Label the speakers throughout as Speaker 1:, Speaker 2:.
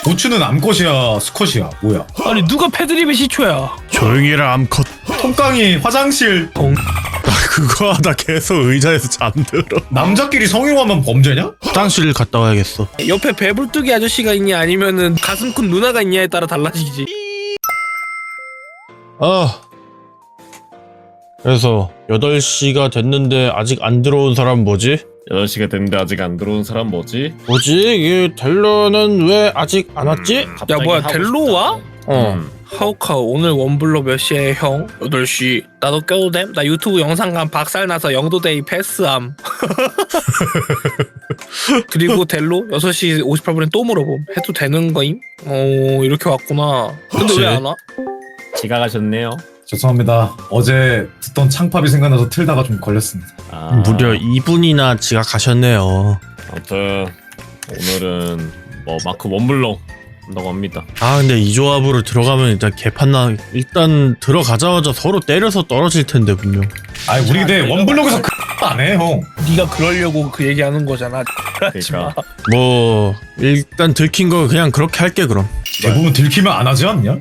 Speaker 1: 고추는 암컷이야 수컷이야 뭐야?
Speaker 2: 아니 누가 패드립의 시초야?
Speaker 3: 조용히 해라 암컷.
Speaker 1: 통깡이 화장실
Speaker 3: 나 그거 하다 계속 의자에서 잠들어.
Speaker 1: 남자끼리 성희롱하면 범죄냐?
Speaker 3: 화장실 갔다 와야겠어.
Speaker 2: 옆에 배불뚝이 아저씨가 있냐 아니면은 가슴 큰 누나가 있냐에 따라 달라지지.
Speaker 3: 그래서 8시가 됐는데 아직 안 들어온 사람 뭐지?
Speaker 4: 8시가 됐는데 아직 안 들어온 사람 뭐지?
Speaker 3: 뭐지? 이 델로는 왜 아직 안 왔지?
Speaker 2: 야 뭐야 델로 와? 하우카우 오늘 원블럭 몇 시에 형? 8시. 나도 껴도 됨? 나 유튜브 영상감 박살나서 영도데이 패스함. 그리고 델로 6시 58분에 또 물어봄. 해도 되는 거임? 이렇게 왔구나. 근데
Speaker 3: 그치.
Speaker 2: 왜 안 와?
Speaker 4: 지각하셨네요.
Speaker 1: 죄송합니다. 어제 듣던 창팝이 생각나서 틀다가 좀 걸렸습니다.
Speaker 3: 무려 2분이나 지각하셨네요.
Speaker 4: 아무튼 오늘은 뭐 마크 원블럭 한다고 합니다.
Speaker 3: 아 근데 이 조합으로 들어가면 일단 개판나. 일단 들어가자마자 서로 때려서 떨어질 텐데 분명.
Speaker 1: 아니 우리 근데 원블럭에서 안 해 형.
Speaker 2: 네가 그러려고 그 얘기하는 거잖아.
Speaker 4: 그러니까
Speaker 3: 뭐 일단 들킨 거 그냥 그렇게 할게 그럼.
Speaker 1: 대부분 들키면 안 하지 않냐?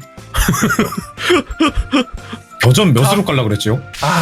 Speaker 1: 겨전 몇으로 깔라 그랬지요?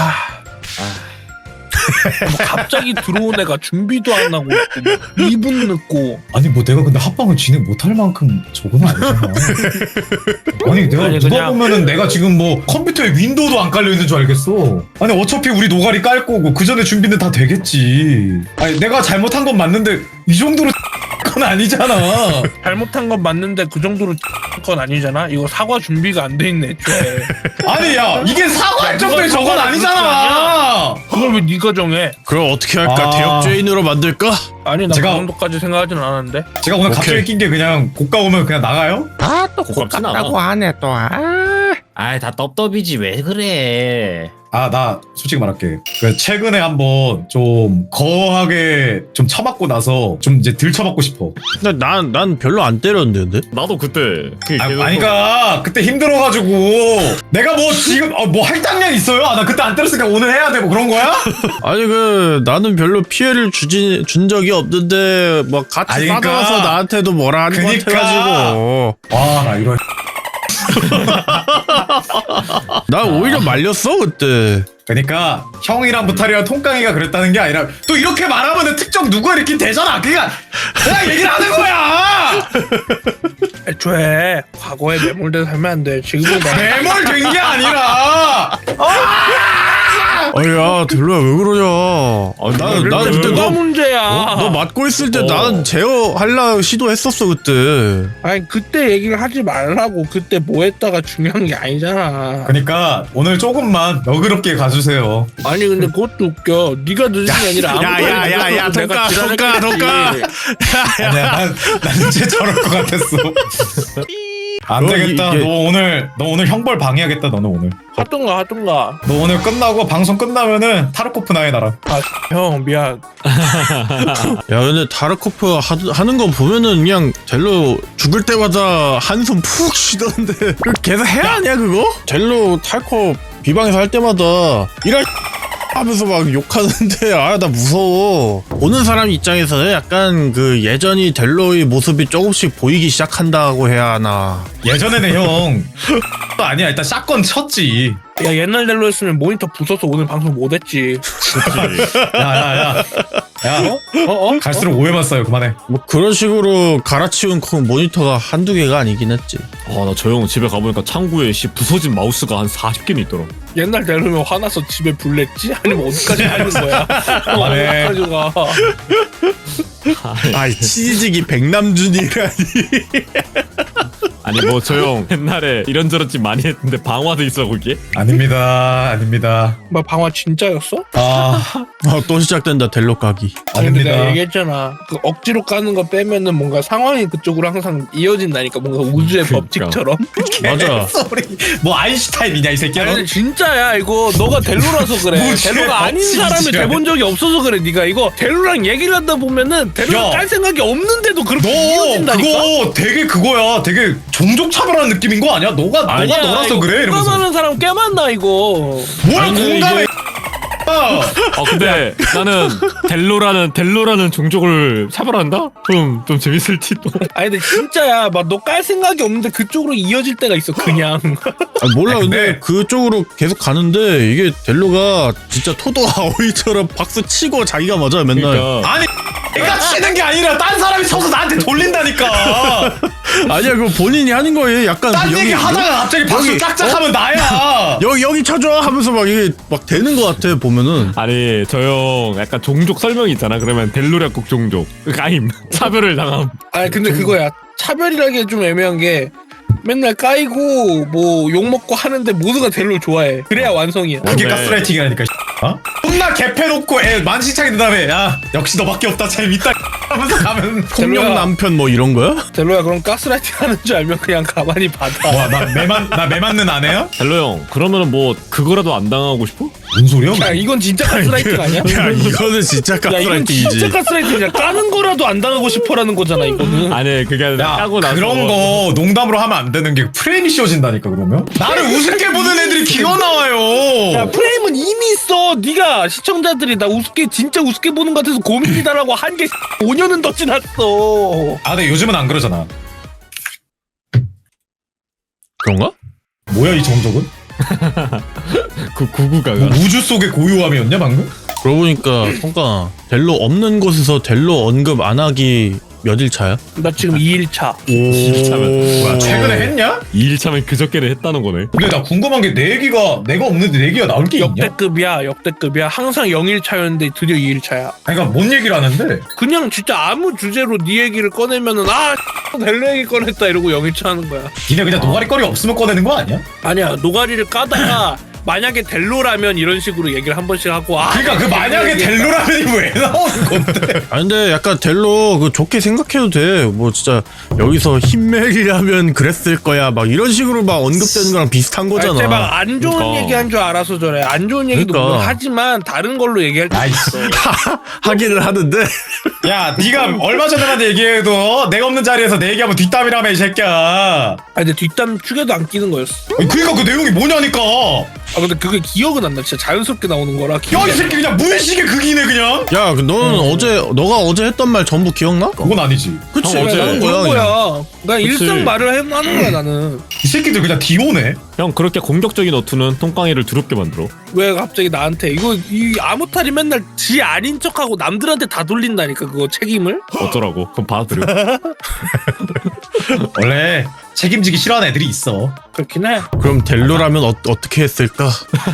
Speaker 2: 뭐 갑자기 들어온 애가 준비도 안 하고 있고 2분 늦고.
Speaker 1: 아니 뭐 내가 근데 합방을 진행 못할 만큼 저건 아니잖아. 아니 내가
Speaker 2: 아니,
Speaker 1: 누가
Speaker 2: 그냥-
Speaker 1: 보면은 내가 지금 뭐 컴퓨터에 윈도우도 안 깔려 있는 줄 알겠어. 아니 어차피 우리 노가리 깔 거고 그 전에 준비는 다 되겠지. 아니 내가 잘못한 건 맞는데 이 정도로 건 아니잖아.
Speaker 2: 잘못한 건 맞는데 그 정도로 건 아니잖아. 이거 사과 준비가 안 돼 있네 애초에.
Speaker 1: 아니 야 이게 사과할 정도의 저건 아니잖아.
Speaker 2: 그걸 왜 네가 정해?
Speaker 3: 그럼 어떻게 할까?
Speaker 1: 아.
Speaker 3: 대역죄인으로 만들까?
Speaker 2: 아니 나 그
Speaker 1: 제가-
Speaker 2: 정도까지 생각하진 않았는데.
Speaker 1: 제가 오늘 갑자기
Speaker 3: 오케이.
Speaker 1: 낀 게 그냥 고가 오면 그냥 나가요?
Speaker 3: 아또
Speaker 4: 고깝진 않아.
Speaker 3: 하네 또.
Speaker 4: 아이 다 떡떡이지 왜 그래?
Speaker 1: 아 나 솔직히 말할게. 그 최근에 한번 좀 거하게 좀 쳐맞고 나서 좀 이제 덜 쳐맞고 싶어.
Speaker 3: 근데 난 별로 안 때렸는데.
Speaker 4: 나도 그때
Speaker 1: 아니가 그때 힘들어가지고 내가 뭐 지금 뭐 할당량 있어요? 아 나 그때 안 때렸으니까 오늘 해야 돼 뭐 그런 거야?
Speaker 3: 아니 나는 별로 피해를 준 적이 없는데 뭐 같이
Speaker 1: 아니, 그러니까.
Speaker 3: 싸워서 나한테도 뭐라 하는 것
Speaker 1: 그니까.
Speaker 3: 같아가지고.
Speaker 1: 와 나 이런.
Speaker 3: 나 오히려 말렸어 그때.
Speaker 1: 그러니까 형이랑 부탈이랑 통깡이가 그랬다는 게 아니라 또 이렇게 말하면은 특정 누가 이렇게 되잖아. 그러니까 내가 얘기를 하는 거야.
Speaker 2: 애초에 과거에 매몰돼서 살면 안 돼. 지금은
Speaker 1: 매몰된 게 아니라.
Speaker 3: 아야 델로야 왜 그러냐. 나는 그때
Speaker 2: 뭐가 문제야.
Speaker 3: 너 맞고 있을 때 나는 제어 할라 시도했었어 그때.
Speaker 2: 아니 그때 얘기를 하지 말라고. 그때 뭐 했다가 중요한 게 아니잖아.
Speaker 1: 그러니까 오늘 조금만 너그럽게 가주세요.
Speaker 2: 아니 근데 그것도 웃겨. 네가 늦은 게 아니라 아무도
Speaker 3: 야,
Speaker 2: 내가
Speaker 3: 돈가.
Speaker 1: 아니야 난 이제 저럴 것 같았어. 안 되겠다.
Speaker 3: 이게-
Speaker 1: 너 오늘 형벌 방해하겠다. 너는 오늘.
Speaker 2: 하던가.
Speaker 1: 너 오늘 끝나고 방송 끝나면은 타르코프 나해 나랑.
Speaker 2: 형 미안.
Speaker 3: 야 근데 타르코프 하는 거 보면은 그냥 젤로 죽을 때마다 한숨 푹 쉬던데. 그거 계속 해야 하냐 그거? 젤로 탈코 비방에서 할 때마다 이럴 하면서 막 욕하는데 아 나 무서워. 보는 사람 입장에서는 약간 그 예전이 델로의 모습이 조금씩 보이기 시작한다고 해야 하나.
Speaker 1: 예전에는 형 아니야 일단 샷건 쳤지.
Speaker 2: 야 옛날 델로였으면 모니터 부숴서 오늘 방송 못했지.
Speaker 1: 야야야. 야 갈수록 오해만 쌓여. 그만해.
Speaker 3: 뭐 그런 식으로 갈아치운 모니터가 한두 개가 아니긴 했지.
Speaker 4: 나 저 형 집에 가보니까 창구에 부서진 마우스가 한 40개는 있더라.
Speaker 2: 옛날 델로면 화나서 집에 불냈지? 아니면 어디까지 가는 거야?
Speaker 1: 그만해.
Speaker 2: 어디까지 가?
Speaker 3: 아이 치즈기 백남준이라니.
Speaker 4: 아니 뭐 저 형 옛날에 이런저런 짓 많이 했는데 방화도 있어 거기에?
Speaker 1: 아닙니다.
Speaker 2: 뭐 방화 진짜였어?
Speaker 3: 또 시작된다 델로 까기.
Speaker 2: 아니 근데 내가
Speaker 1: 아닙니다.
Speaker 2: 얘기했잖아. 그 억지로 까는 거 빼면은 뭔가 상황이 그쪽으로 항상 이어진다니까. 뭔가 우주의
Speaker 4: 그러니까.
Speaker 2: 법칙처럼.
Speaker 3: 맞아.
Speaker 1: 소리. 뭐 아인슈타인이냐 이 새끼야.
Speaker 2: 아니
Speaker 1: 너?
Speaker 2: 진짜야 이거. 너가 델로라서 그래.
Speaker 1: 우주의
Speaker 2: 델로가 아닌
Speaker 1: 법칙이지.
Speaker 2: 사람이 돼본 적이 없어서 그래. 네가 이거 델로랑 얘기를 하다 보면은 델로가
Speaker 1: 야.
Speaker 2: 깔 생각이 없는데도 그렇게
Speaker 1: 너
Speaker 2: 이어진다니까.
Speaker 1: 그거 되게 그거야. 되게 종족 차별하는 느낌인 거 아니야? 너가
Speaker 2: 아니야,
Speaker 1: 너라서
Speaker 2: 이거
Speaker 1: 그래 이러면서.
Speaker 2: 공감하는 사람 꽤 많나 이거.
Speaker 1: 뭘
Speaker 3: 아니,
Speaker 1: 공감해?
Speaker 4: 근데 나는 델로라는 종족을 차별한다? 좀 재밌을지도.
Speaker 2: 아니 근데 진짜야 막 너 깔 생각이 없는데 그쪽으로 이어질 때가 있어 그냥.
Speaker 3: 몰라.
Speaker 1: 아니,
Speaker 3: 근데
Speaker 1: 근데-
Speaker 3: 그쪽으로 계속 가는데 이게 델로가 진짜 토도 아오이처럼 박수 치고 자기가 맞아 맨날.
Speaker 4: 그러니까
Speaker 1: 아니 내가 치는 게 아니라 딴 사람이 쳐서 나한테 돌린다니까.
Speaker 3: 아니야 그거 본인이 하는 거예요. 약간
Speaker 1: 딴 얘기 하다가 갑자기 박수
Speaker 3: 여기-
Speaker 1: 짝짝하면 나야.
Speaker 3: 여기 쳐줘 하면서 막 이게 막 되는 거 같아 보면은.
Speaker 4: 아니 저 형 약간 종족 설명이 있잖아. 그러면 델로략국 종족 까임 차별을 당함.
Speaker 2: 아니 근데 그거야 차별이라기 좀 애매한 게 맨날 까이고 뭐 욕먹고 하는데 모두가 델로를 좋아해. 그래야 완성이야.
Speaker 1: 그게
Speaker 4: 네.
Speaker 1: 가스라이팅이라니까. 어? 존나 개패놓고 애 만신창이 든 다음에 야 역시 너밖에 없다 재밌다 하면서 가면
Speaker 3: 폭력
Speaker 2: 델로야.
Speaker 3: 남편 뭐 이런 거야?
Speaker 2: 델로야 그럼 가스라이팅 하는 줄 알면 그냥 가만히 받아.
Speaker 1: 뭐야 나매 맞는 아내야?
Speaker 4: 델로 형 그러면은 뭐 그거라도 안 당하고 싶어?
Speaker 1: 뭔 소리야?
Speaker 2: 야 이건 진짜 가스라이팅 아니야?
Speaker 3: 야 이거는 진짜
Speaker 2: 야 이건
Speaker 3: 가스라이팅이지.
Speaker 2: 진짜 가스라이팅이야. 까는 거라도 안 당하고 싶어라는 거잖아 이거는.
Speaker 4: 아니 그게 아니라
Speaker 1: 야
Speaker 4: 까고 나서
Speaker 1: 그런 거 농담으로 하면 안 되는 게 프레임이 씌워진다니까 그러면 나를 우습게 보는 애들이 기어
Speaker 2: 야
Speaker 1: 나와요.
Speaker 2: 프레임은 이미 있어. 네가 시청자들이 나 우습게 진짜 우습게 보는 것 같아서 고민이다라고 한 게 5년은 더 지났어.
Speaker 1: 아 근데 요즘은 안 그러잖아.
Speaker 3: 그런가?
Speaker 1: 뭐야 이 정적은?
Speaker 4: 그 구구가
Speaker 1: 뭐 우주 속의 고요함이었냐 방금?
Speaker 3: 그러고 보니까 성가 델로 없는 곳에서 델로 언급 안 하기 몇일 차야?
Speaker 2: 나 지금 2일차.
Speaker 1: 뭐야 최근에 했냐?
Speaker 4: 2일차면 그저께는 했다는 거네.
Speaker 1: 근데 나 궁금한 게 내 얘기가 내가 없는데 내 얘기가 나올 게 있냐?
Speaker 2: 역대급이야. 항상 0일차였는데 드디어 2일차야.
Speaker 1: 아니 그러니까 뭔 얘기를 하는데
Speaker 2: 그냥 진짜 아무 주제로 네 얘기를 꺼내면은 델로 얘기 꺼냈다 이러고 0일차 하는 거야.
Speaker 1: 니네 그냥 노가리거리 없으면 꺼내는 거 아니야?
Speaker 2: 아니야 노가리를 까다가 만약에 델로라면 이런 식으로 얘기를 한 번씩 하고
Speaker 1: 그러니까 그 만약에 델로라면이 왜 나오는 건데?
Speaker 3: 아니 근데 약간 델로 그 좋게 생각해도 돼. 뭐 진짜 여기서 흰멜이라면 그랬을 거야. 막 이런 식으로 막 언급되는 거랑 비슷한 거잖아.
Speaker 2: 막안 좋은
Speaker 4: 그러니까.
Speaker 2: 얘기한 줄 알아서 저래. 안 좋은 얘기도
Speaker 3: 그러니까.
Speaker 2: 물론 하지만 다른 걸로 얘기할 때 있어.
Speaker 3: 하기는 하는데.
Speaker 1: 야 네가 얼마 전에만 얘기해도 내가 없는 자리에서 내 얘기하면 뒷담이라며 이 새끼야.
Speaker 2: 근데 뒷담 축에도 안 끼는 거였어.
Speaker 1: 그니까 그 내용이 뭐냐니까.
Speaker 2: 근데 그게 기억은 안 나. 진짜 자연스럽게 나오는 거라.
Speaker 1: 야 이 새끼 그냥 무의식의 극이네 그냥.
Speaker 3: 야, 너는 너가 어제 했던 말 전부 기억나?
Speaker 1: 그건 아니지.
Speaker 3: 그치?
Speaker 4: 형, 어제
Speaker 3: 그런
Speaker 2: 그런
Speaker 3: 거야. 그냥.
Speaker 2: 거야. 난
Speaker 4: 그치.
Speaker 2: 일상 말을 하는 거야 나는.
Speaker 1: 이 새끼들 그냥 디오네.
Speaker 4: 형 그렇게 공격적인 어투는 똥강이를 두렵게 만들어.
Speaker 2: 왜 갑자기 나한테 이 아무탈이 맨날 지 아닌 척하고 남들한테 다 돌린다니까 그거 책임을.
Speaker 4: 어쩌라고? 그럼 받아들여.
Speaker 1: 원래 책임지기 싫어하는 애들이 있어.
Speaker 2: 그렇긴 해.
Speaker 3: 그럼 델로라면 어떻게 했을까?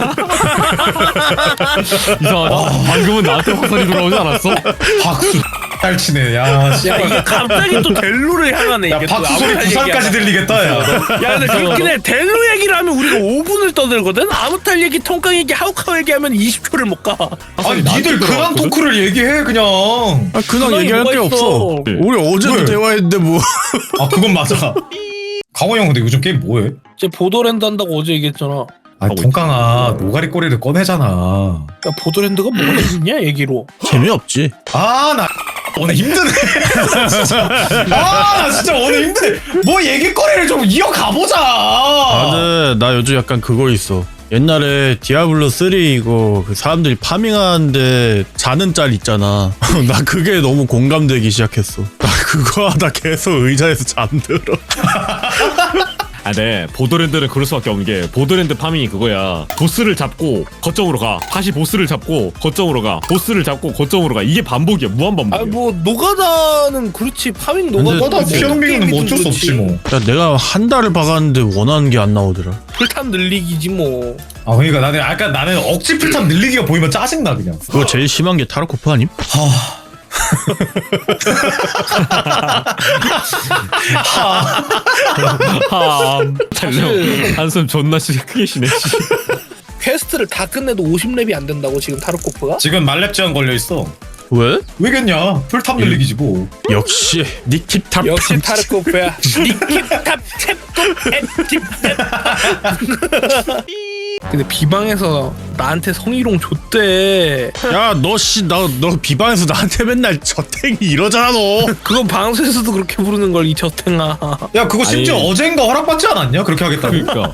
Speaker 4: 이상하다. 방금은 나한테 화살이 돌아오지 않았어?
Speaker 1: 박수 잘 치네. 야, 씨.
Speaker 2: 야 이게 갑자기 또 델로를 향하네.
Speaker 1: 야
Speaker 2: 이게 또
Speaker 1: 박수 소리
Speaker 2: 아무탈
Speaker 1: 부산까지
Speaker 2: 얘기하다가.
Speaker 1: 들리겠다. 야.
Speaker 2: 야 근데 그렇긴 해. 델로 얘기를 하면 우리가 5분을 떠들거든. 아무탈 얘기, 통깡 얘기, 하우카우 얘기하면 20초를 못 가.
Speaker 1: 아니 니들 근황 토크를 얘기해 그냥.
Speaker 3: 아, 그냥
Speaker 2: 그건
Speaker 3: 얘기할
Speaker 2: 뭐가
Speaker 3: 게
Speaker 2: 있어.
Speaker 3: 없어. 우리 어제도
Speaker 1: 왜?
Speaker 3: 대화했는데 뭐.
Speaker 1: 아 그건 맞아. 강호 형 근데 요즘 게임 뭐해?
Speaker 2: 이제 보더랜드 한다고 어제 얘기했잖아.
Speaker 1: 아 동강아 노가리 꼬리를 꺼내잖아.
Speaker 2: 야 보더랜드가 뭐가 있냐 얘기로.
Speaker 3: 재미없지.
Speaker 1: 아 나 오늘 힘드네. 진짜. 나 진짜 오늘 힘드네. 뭐 얘기거리를 좀 이어가보자.
Speaker 3: 근데 나 요즘 약간 그거 있어. 옛날에 디아블로 3 이거 그 사람들이 파밍하는데 자는 짤 있잖아. 나 그게 너무 공감되기 시작했어. 나 그거 하다 계속 의자에서 잠들어.
Speaker 4: 아, 네. 보더랜드는 그럴 수밖에 없는 게 보더랜드 파밍이 그거야. 보스를 잡고 거점으로 가. 다시 보스를 잡고 거점으로 가. 보스를 잡고 거점으로 가. 이게 반복이야. 무한 반복이야.
Speaker 2: 아 뭐 노가다는 그렇지. 파밍 노가다.
Speaker 1: 뭐다 피어밍은 뭐 어쩔 수 없지 뭐.
Speaker 3: 야 내가 한 달을 박았는데 원하는 게 안 나오더라.
Speaker 2: 풀탐 늘리기지 뭐.
Speaker 1: 아 그러니까 나는 억지 필탐 늘리기가 보이면 짜증나 그냥.
Speaker 3: 그거 제일 심한 게 타르코프 아님?
Speaker 2: 사실-
Speaker 4: 한숨 존나 크게 쉬네. 씨.
Speaker 2: 퀘스트를 다 끝내도 50렙이 안 된다고 지금 타르코프가?
Speaker 1: 지금 말렙 제한 걸려 있어.
Speaker 3: 왜?
Speaker 1: 왜겠냐? 풀탑 늘리기지 뭐.
Speaker 3: 역시 니킵 탑.
Speaker 2: 역시 타르코프야. 니킵탑 탭톱 앱팁 근데 비방에서 나한테 성희롱 줬대.
Speaker 3: 야너 비방에서 나한테 맨날 저탱이 이러잖아 너.
Speaker 2: 그건 방송에서도 그렇게 부르는 걸 이 저탱아.
Speaker 1: 야 그거 심지어
Speaker 4: 아니.
Speaker 1: 어젠가 허락받지 않았냐? 그렇게 하겠다고.
Speaker 4: 그러니까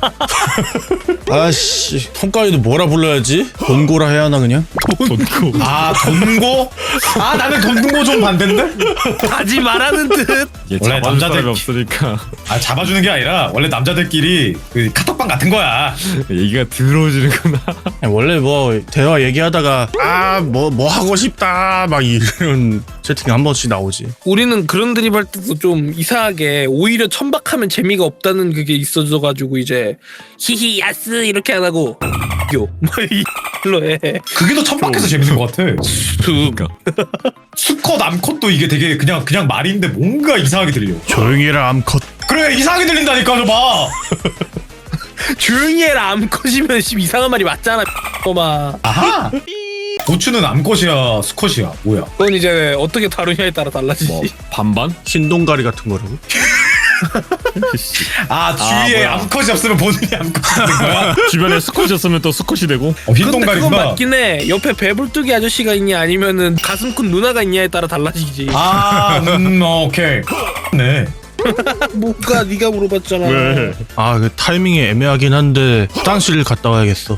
Speaker 3: 아씨 통가위도 뭐라 불러야지? 돈고라 해야 하나 그냥?
Speaker 4: 돈고
Speaker 1: 아 돈고? 아 나는 돈고 좀 반대인데?
Speaker 2: 하지 말라는 듯.
Speaker 4: 얘
Speaker 1: 원래
Speaker 4: 잡아줄
Speaker 1: 남자들-
Speaker 4: 사람이 없으니까
Speaker 1: 아 잡아주는 게 아니라 원래 남자들끼리 그 카톡방 같은 거야.
Speaker 4: 얘기가 더러워지는구나.
Speaker 3: 원래 뭐 대화 얘기하다가 뭐 하고 싶다 막 이런 채팅 한 번씩 나오지.
Speaker 2: 우리는 그런 드립 할 때도 좀 이상하게 오히려 천박하면 재미가 없다는 그게 있어져가지고 이제 히히 야스 이렇게 안 하고 요뭐이로 해.
Speaker 1: 그게 더 천박해서 재밌는 것 같아.
Speaker 4: 그러니까
Speaker 1: 수컷 암컷도 이게 되게 그냥 말인데 뭔가 이상하게 들려.
Speaker 3: 조용히 해라 암컷.
Speaker 1: 그래 이상하게 들린다니까 좀 봐.
Speaker 2: 조용히 해라 암컷이면 이상한 말이 맞잖아. 마.
Speaker 1: 아하. 고추는 암컷이야 수컷이야 뭐야?
Speaker 2: 그건 이제 어떻게 다루냐에 따라 달라지지.
Speaker 4: 뭐 반반?
Speaker 3: 흰동가리 같은 거라고?
Speaker 1: 아 주위에
Speaker 4: 뭐야.
Speaker 1: 암컷이 없으면 본인이 암컷이 되는 거야?
Speaker 4: 주변에 수컷이었으면 또 수컷이 되고.
Speaker 2: 근데 그건
Speaker 1: 흰동가리구나.
Speaker 2: 맞긴 해. 옆에 배불뚝이 아저씨가 있냐 아니면은 가슴 큰 누나가 있냐에 따라 달라지지.
Speaker 1: 오케이. 네.
Speaker 2: 뭐가 네가 물어봤잖아.
Speaker 4: 왜?
Speaker 3: 그 타이밍이 애매하긴 한데 화장실 갔다 와야겠어.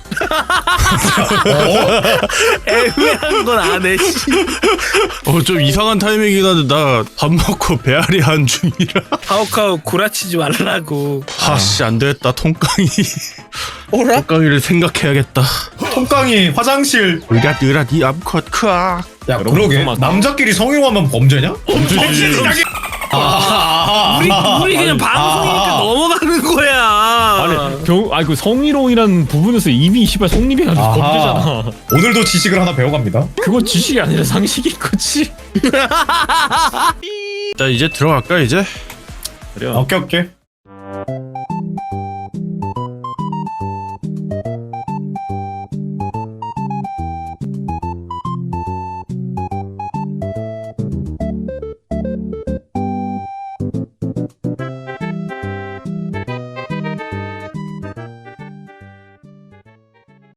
Speaker 2: 애매한 건 안 해.
Speaker 3: 좀 이상한 타이밍이긴 한데 나 밥 먹고 배앓이 한 중이라.
Speaker 2: 하우카우 구라치지 말라고.
Speaker 3: 아씨 안 되겠다 통깡이.
Speaker 2: 오라?
Speaker 3: 통깡이를 생각해야겠다.
Speaker 1: 통깡이 화장실.
Speaker 3: 으라 니 암컷 크아.
Speaker 1: 야
Speaker 4: 여러분,
Speaker 1: 그러게
Speaker 4: 잠깐만.
Speaker 1: 남자끼리 성희롱하면 범죄냐?
Speaker 4: 범죄지.
Speaker 2: 우리 그냥 방송 이렇게 넘어가는 거야.
Speaker 4: 아니 그 성희롱이란 부분에서 이미 시발 성립해가지고
Speaker 1: 아하.
Speaker 4: 범죄잖아.
Speaker 1: 오늘도 지식을 하나 배워갑니다.
Speaker 4: 그건 지식이 아니라 상식인 거지.
Speaker 3: 자 이제 들어갈까 이제?
Speaker 4: 그래.
Speaker 1: 오케이.